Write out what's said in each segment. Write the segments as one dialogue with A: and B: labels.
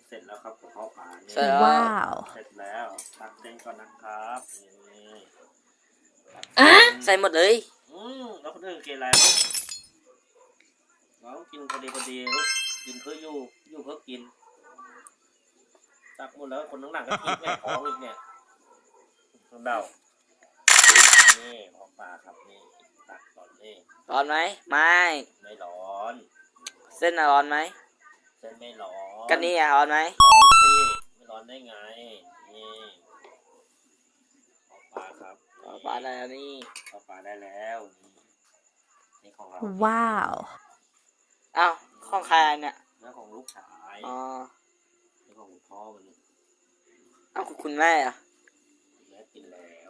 A: เสร็จแล้วครับกระเพาะปลาเนี่ย
B: เสร็จแล้ว
C: ว้าว
A: เสร็จแล้วตักเส้นก่อนนะครับนี่
B: ใส่หมดเลย
A: แล้วคนอื่นกินอะไรลูกเราต้องกินพอดีลูกกินเพื่ออยู่เพื่อกินตักหมดแล้วคนข้างหลังก็ทิ้งแม่ท้องอีกเนี่ยต้องเดานี่ของปลาครับนี่ตักก่อนนี่
B: ร้อนไหมไม่
A: ไม่ร้อน
B: เส้นน่ะร้อนไหม
A: เส้นไม่ร้อน
B: กันนี่อ่ะร้อนไหม
A: ร้อนสิไม่ร้อนได้ไงนี่ของปลาครับ
B: ปลาได้แล้วนี่
A: ของปลาได้แล้วนี่ของเรา
C: ว้าว
B: อ้าวของใครอันเนี่ย
A: เนื้อของลูกชาย
B: อ๋อ
A: นี่ของคุณพ่อมัน
B: อ้าวคุณแม่อ่ะ
A: แม่กินแล้ว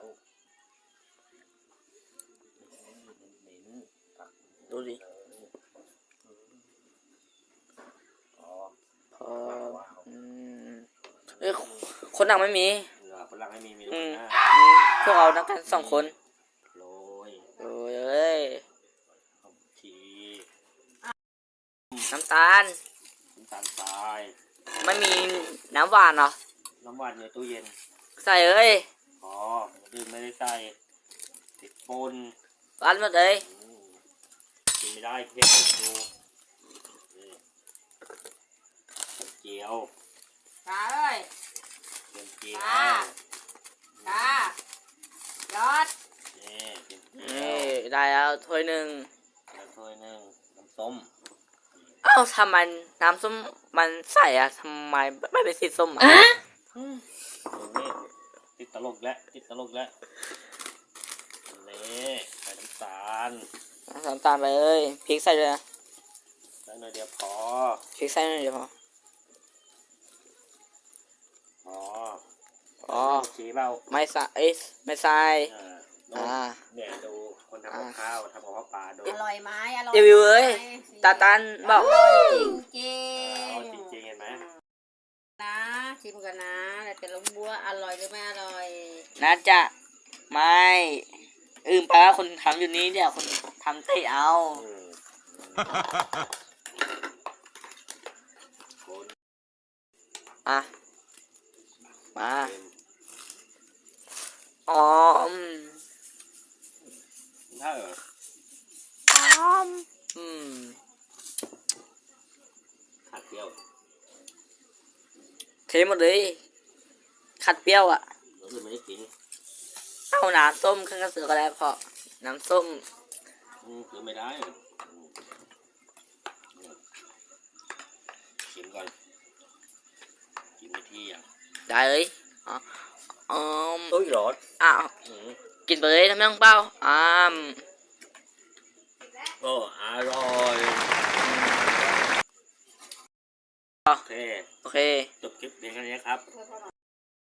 A: เหม็นๆตัก
B: ดูดิ
A: อ๋อ
B: พอเอ้ยคนหนักไม่มี
A: เหลือคนหลังให้มี
B: อื
A: คน
B: ม
A: หน้า
B: พวกเรานักกัน2 คน
A: โรย
B: โอ้ยเอ้ย
A: ขมชี
B: น้ำตาล
A: น้ำตาลทราย
B: ไม่มีน้ำหวานเหรอ
A: น้ำหวานในตู้เย็น
B: ใส่เอ้ย
A: อ๋อดื่มไม่ได้ใส่ติดปน
B: ร้านหมดเลย
A: กินไม่ได้เผ็ดดูนี่เจียว
D: ตาเอ้ย
A: เจียว
D: ตายอด
A: นี่เจียว
B: นี่ได้แล้วถ้วยหนึ่ง
A: แล้วถ้วยหนึ่งน้ำส้ม
B: อ้าวทำไมน้ำส้มมันใส่อะทำไมไม่เป็นสีส้มอะ
A: นี่ติดตลกแล้วนี่ใส่น้ำตาล
B: น้ำตาลไปเลยพริกใส่เลยนะ
A: ใส่หน่อยเดียวพอ
B: พริกใส่หน่อยเดียวพอ
A: พอ
B: อ๋อ
A: ชี้เปล่า
B: ไม่ใส่เอ้ยไม่ใส่
A: อ่าเนี่ยดูคนทำกับข้าวทำกับข้าวปลาดู
D: อร่อยไหมอร่อย
B: รีวิวเอ้ยตาตันบอก
D: อร่อยจริงจริ
A: เอา
D: ง
A: จริงๆเห็นไหม
D: นะชิมกันนะแล้วจะรู้ว่าอร่อยหรือไม่อร่อย
B: น่าจะไม่ไปว่าคนทำอยู่นี้เดี๋ยวคนทำเตะเอา
A: อืมคน
B: อ่ะมา
A: เค็ม
B: อ๋อ
A: ถ้า
B: อืม
A: ขัดเปรี้ยว
B: เทหมดเลยขัดเปรี้ยวอ่ะ
A: เราคือไม่ได้กิน
B: เอาน้ำส้มข้างกระเสือก็ได้พอน้ำส้ม
A: คือไม่ได้ชิมก่อนกินไม่ที่อ่ะ
B: ได้เลยอ๋อ
A: อุ้ยร้อน
B: อ้าวกินไปเลยทำไมต้องเป้า
A: โอ้อร่อยโอเค
B: โอเค
A: จบคลิปเพียงแค่นี้ครับ